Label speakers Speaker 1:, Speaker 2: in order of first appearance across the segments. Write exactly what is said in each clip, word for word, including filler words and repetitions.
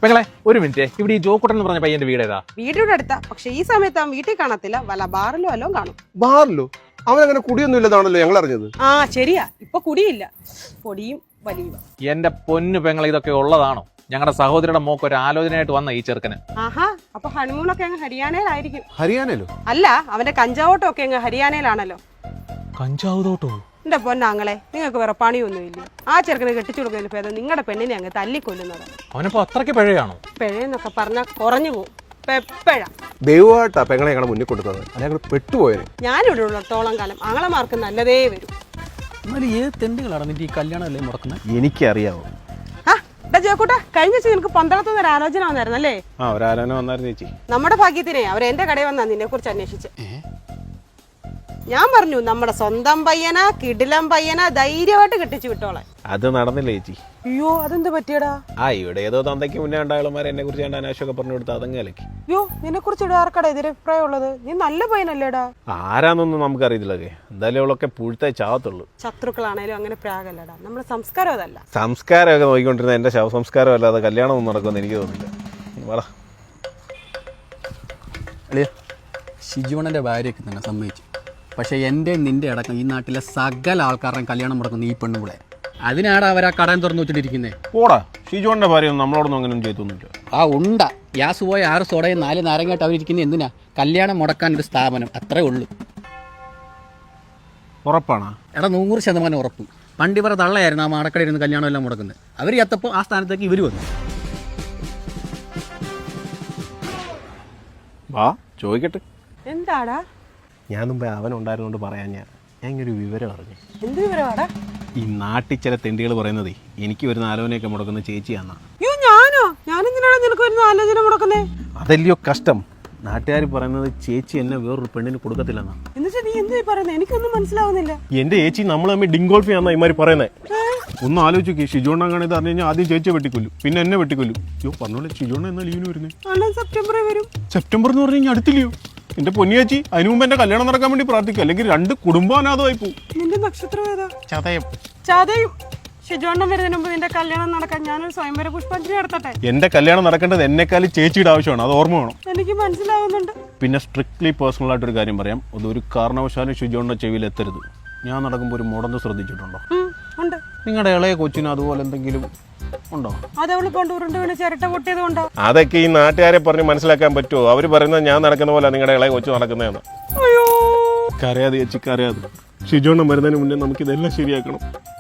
Speaker 1: പെങ്ങളെ ഒരു മിനിറ്റ്, ഇവിടെ ഈ ജോക്കുട്ടൻ എന്ന് പറഞ്ഞ പയ്യന്റെ വീട് ഏതാ?
Speaker 2: വീടിന്റെ അടുത്താ, പക്ഷെ ഈ സമയത്ത് അവൻ വീട്ടിൽ കാണത്തില്ല, വല്ല ബാറിലോ വല്ലോ കാണും.
Speaker 3: ബാറിലോ? അവനങ്ങനെ കുടിയൊന്നും ഇല്ലെന്നാണല്ലോ ഞങ്ങൾ അറിഞ്ഞത്.
Speaker 2: ആ ശരിയാ, ഇപ്പൊ കുടിയില്ല, പൊടിയും വലിയ.
Speaker 1: എന്റെ പൊന്നു പെങ്ങളെ, ഇതൊക്കെ ഉള്ളതാണോ? ഞങ്ങളുടെ സഹോദരിയുടെ മോക്ക് ഒരു ആലോചനയായിട്ട് വന്ന ഈ ചെറുക്കന്.
Speaker 2: ആഹാ, അപ്പൊ ഹണിമൂണൊക്കെ അങ്ങ് ഹരിയാനയിലായിരിക്കും.
Speaker 3: ഹരിയാനയിലോ?
Speaker 2: അല്ല, അവന്റെ കഞ്ചാവോട്ടം ഒക്കെ അങ്ങ് ഹരിയാനയിലാണല്ലോ.
Speaker 1: കഞ്ചാവ് തോട്ടോ?
Speaker 2: എന്റെ പൊന്നാങ്ങളെ, നിങ്ങൾക്ക് വേറെ പണിയൊന്നുമില്ല. ആ ചെറുക്കനെ കെട്ടിച്ചു കൊടുക്കുന്നതിന് ഭേദം നിങ്ങളുടെ പെണ്ണിനെ അങ്ങ് തല്ലിക്കൊല്ലുന്നത്.
Speaker 1: അവനിപ്പോ അത്രയ്ക്ക് പിഴയാണോ?
Speaker 2: പിഴയെന്നൊക്കെ പറഞ്ഞാൽ കുറഞ്ഞു പോകും. പെപ്പഴ
Speaker 3: ദൈവമായിട്ടാ പെങ്ങളെ ഞങ്ങളുടെ മുന്നിൽ കൊണ്ടുതന്നത്, അല്ലെങ്കിൽ പെട്ടുപോയത്.
Speaker 2: ഞാനിവിടെ ഉള്ളത്തോളം കാലം ആങ്ങളമാർക്ക് നല്ലതേ വരും.
Speaker 4: എന്നാലും ഏത് തെണ്ടുകളാണ് നിന്റെ ഈ കല്യാണം അല്ലേ മുടക്കുന്നത്?
Speaker 3: എനിക്കറിയാവോ.
Speaker 2: ആ ജോക്കൂട്ട, കഴിഞ്ഞ വെച്ച് നിനക്ക് പന്തളത്തുനിന്ന് ഒരു ആലോചന വന്നായിരുന്നല്ലേ?
Speaker 3: ആ, ഒരാലോചന വന്നായിരുന്നു ചേച്ചി.
Speaker 2: നമ്മുടെ ഭാഗ്യത്തിനെ അവർ എന്റെ കടയിൽ വന്നാ നിന്നെ കുറിച്ച് അന്വേഷിച്ച്. ഞാൻ പറഞ്ഞു, നമ്മുടെ സ്വന്തം പയ്യനാ, കിടിലം പയ്യനാ, ധൈര്യമായിട്ട് കെട്ടിച്ചു വിട്ടോളെ.
Speaker 3: അത് നടന്നില്ല ചേച്ചി.
Speaker 2: അയ്യോ, അതെന്ത് പറ്റിയടാ?
Speaker 3: ആ, ഇവിടെ ഏതോ തന്തയ്ക്ക് മുന്നേ ഉണ്ടായാലും എന്നെ കുറിച്ച് ഞാൻ അനാശമൊക്കെ പറഞ്ഞു കൊടുത്ത് അതങ്ങ് അലക്കി.
Speaker 2: അയ്യോ, നിന്നെ കുറിച്ച് ഇവിടെ ആർക്കടാ എതിരഭിപ്രായം ഉള്ളത്? നീ നല്ല പയ്യനല്ലേടാ.
Speaker 3: ആരാന്നൊന്നും നമുക്കറിയില്ലല്ലേ, എന്തായാലും അവളൊക്കെ പുഴുത്തേ ചാവത്തുള്ളൂ.
Speaker 2: ശത്രുക്കളാണേലും അങ്ങനെ പ്രാഗല്ലടാ, നമ്മുടെ സംസ്കാരം അതല്ല.
Speaker 3: സംസ്കാരമൊക്കെ നോക്കിക്കൊണ്ടിരുന്ന എന്റെ ശവസംസ്കാരം അല്ലാതെ കല്യാണം ഒന്നും നടക്കുമെന്ന് എനിക്ക് തോന്നില്ല. വള
Speaker 4: അളിയ, ഷിജുവണ്ണൻ്റെ ഭാര്യയൊക്കെ തന്നെ സമ്മതിച്ചു. പക്ഷേ എൻ്റെ നിൻ്റെ അടക്കം ഈ നാട്ടിലെ സകല ആൾക്കാരുടെയും കല്യാണം മുടക്കുന്ന ഈ പെണ്ണുപിളെ. അതിനാണ് അവർ ആ കടം തുറന്നു വെച്ചിട്ടിരിക്കുന്നത്.
Speaker 3: പോടാ, ഷിജുവിന്റെ ഭാര്യ നമ്മളോടൊന്നും അങ്ങനെ ചെയ്തൊന്നുമില്ല.
Speaker 4: ആ ഉണ്ട ഗ്യാസ് പോയ ആറ് സോഡയും നാല് നാരങ്ങായിട്ട് അവരിയ്ക്കുന്നത് എന്തിനാ? കല്യാണം മുടക്കാൻ ഒരു സ്ഥാപനം, അത്രേ ഉള്ളൂ.
Speaker 3: ഉറപ്പാണോ?
Speaker 4: എടാ, നൂറ് ശതമാനം ഉറപ്പ്. പണ്ട് ഇവരെ തള്ളയായിരുന്നു ആ മാടക്കടയിൽ ഇരുന്ന് കല്യാണം എല്ലാം മുടക്കുന്നത്. അവർ ചത്തപ്പോൾ ആ സ്ഥാനത്തേക്ക് ഇവർ വന്നു.
Speaker 3: വാ ചോദിക്കട്ടെ.
Speaker 2: എന്താടാ?
Speaker 3: ഞാൻ മുമ്പേ അവൻ ഉണ്ടായിരുന്നോണ്ട് പറയാൻ ഞാൻ ഞാൻ ഇങ്ങനൊരു വിവരം അറിഞ്ഞു.
Speaker 2: എന്ത് വിവരമാടാ?
Speaker 3: ഈ നാട്ടിൽ ചില തെണ്ടികൾ പറയുന്നതേ എനിക്ക് വരുന്ന ആലോചനയൊക്കെ മുടക്കുന്ന ചേച്ചിയാന്നാ.
Speaker 2: അയ്യോ, ഞാനോ? ഞാനെന്തിനാണ് നിനക്ക് വരുന്ന ആലോചന മുടക്കുന്നേ?
Speaker 3: അതല്ലയോ കഷ്ടം. നാട്ടുകാർ പറയുന്നത് ചേച്ചി എന്നെ വേറൊരു പെണ്ണിന് കൊടുക്കത്തില്ലെന്നാ.
Speaker 2: എന്നിട്ട് നീ എന്താ പറയുന്നത്? എനിക്കൊന്നും മനസ്സിലാവുന്നില്ല.
Speaker 3: എന്റെ ചേച്ചി നമ്മൾ തമ്മിൽ ഡിങ്കോൾഫ് ചെയ്യാന്നാ ഇമാര് പറയുന്നത്. ഒന്ന് ആലോചിച്ചു, ഷിജോണ്ണാണ് ഇത് അറിഞ്ഞു കഴിഞ്ഞാൽ ആദ്യം ചേച്ചിയെ വെട്ടിക്കൊല്ലും, പിന്നെ എന്നെ വെട്ടിക്കൊല്ലും. അയ്യോ പറഞ്ഞോളെ, ഷിജോണ്ണ എന്നാ ലീവിന് വരുന്നത്?
Speaker 2: സെപ്റ്റംബറിൽ വരും.
Speaker 3: സെപ്റ്റംബർ എന്ന് പറഞ്ഞു കഴിഞ്ഞാൽ അടുത്തില്ലയോ എന്റെ പൊന്നിയേച്ചി? അതിനു മുമ്പ് എന്റെ കല്യാണം നടക്കാൻ വേണ്ടി പ്രാർത്ഥിക്കും, അല്ലെങ്കിൽ രണ്ട് കുടുംബാനാഥമായി പോകും.
Speaker 2: നിന്റെ നക്ഷത്രം ഏതാ?
Speaker 3: ചതയം.
Speaker 2: ചതയും. ഷിജോണ്ണം വരുന്നതിന് മുമ്പ് നിന്റെ കല്യാണം നടക്കാൻ ഞാനൊരു സ്വയംവര പുഷ്പാഞ്ജലി നടത്തട്ടെ.
Speaker 3: എന്റെ കല്യാണം നടക്കേണ്ടത് എന്നെക്കാളും ചേച്ചിയുടെ ആവശ്യമാണ്, അത് ഓർമ്മ വേണം.
Speaker 2: എനിക്ക് മനസ്സിലാവുന്നുണ്ട്.
Speaker 3: പിന്നെ സ്ട്രിക്ട്ലി പേഴ്സണൽ ആയിട്ടൊരു കാര്യം പറയാം, അതൊരു കാരണവശാലും ഷിജോണിന്റെ ചെവിയിൽ എത്തരുത്. ഞാൻ നടക്കുമ്പോൾ ഒരു മുടന്ന് ശ്രദ്ധിച്ചിട്ടുണ്ടോ?
Speaker 2: ഉണ്ട്.
Speaker 3: നിങ്ങളുടെ ഇളയ കൊച്ചിന് അതുപോലെ എന്തെങ്കിലും ഉണ്ടോ?
Speaker 2: അതവള് കൊണ്ട് ഉരുണ്ട് വീണ് ചിരട്ട പൊട്ടിയത് കൊണ്ടോ?
Speaker 3: അതൊക്കെ ഈ നാട്ടുകാരെ പറഞ്ഞ് മനസ്സിലാക്കാൻ പറ്റുമോ? അവര് പറയുന്നത് ഞാൻ നടക്കുന്ന പോലെ നിങ്ങളുടെ ഇളയ കൊച്ചു നടക്കുന്നതെന്ന്. കരയാതെ ചേച്ചി, കരയാതെ. ഷിജോണ്ണം വരുന്നതിന് മുന്നേ നമുക്ക് ഇതെല്ലാം ശരിയാക്കണം.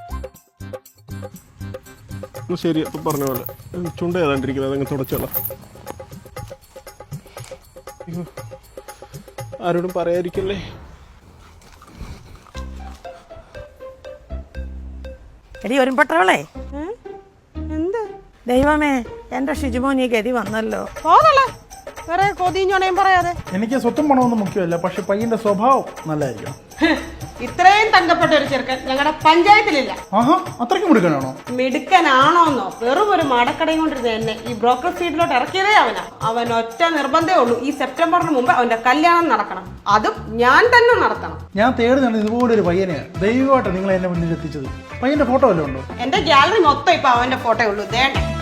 Speaker 3: ശരി, അപ്പൊ പറഞ്ഞ പോലെ ചുണ്ട ഏതാണ്ടിരിക്കുന്നത് അതങ്ങ് തുടച്ചോളാം. ആരോടും പറയാതിരിക്കല്ലേ.
Speaker 5: എടി ഒരുമ്പട്ടവളെ,
Speaker 2: എന്ത്
Speaker 5: ദൈവമേ, എന്റെ ഷിജുമോൻ ഈ ഗതി വന്നല്ലോ.
Speaker 2: പോതല്ലേ, വേറെ കൊതിഞ്ഞോണയും പറയാതെ.
Speaker 6: എനിക്ക് സ്വത്തും പണമൊന്നും മുഖ്യമല്ല, പക്ഷെ പയ്യന്റെ സ്വഭാവം നല്ലതായിരിക്കണം.
Speaker 2: ഇത്രയും തങ്കപ്പെട്ട ഒരു ചെറുക്കൻ ഞങ്ങളുടെ പഞ്ചായത്തിലില്ല.
Speaker 6: ആഹാ, അത്രയ്ക്ക് മിടുക്കനാണോ?
Speaker 2: മിടുക്കനാണോന്നോ? വെറും ഒരു മാടക്കടയും കൊണ്ടിരുന്ന എന്നെ ഈ ബ്രോക്കർ സീറ്റിലോട്ട് ഇറക്കിയതേ അവനാ. അവൻ ഒറ്റ നിർബന്ധമേ ഉള്ളൂ, ഈ സെപ്റ്റംബറിന് മുമ്പ് അവന്റെ കല്യാണം നടക്കണം, അതും ഞാൻ തന്നെ നടത്തണം.
Speaker 6: ഞാൻ തേടുന്നത് ഇതുപോലൊരു പയ്യനെയാണ്. ദൈവമായിട്ട് നിങ്ങൾ എന്നെ മുന്നിൽ എത്തിച്ചത്. പയ്യന്റെ ഫോട്ടോ വല്ലതും ഉണ്ടോ?
Speaker 2: എന്റെ ഗാലറി മൊത്തം ഇപ്പൊ അവന്റെ ഫോട്ടോ ഉള്ളൂ. ദേണ്ട.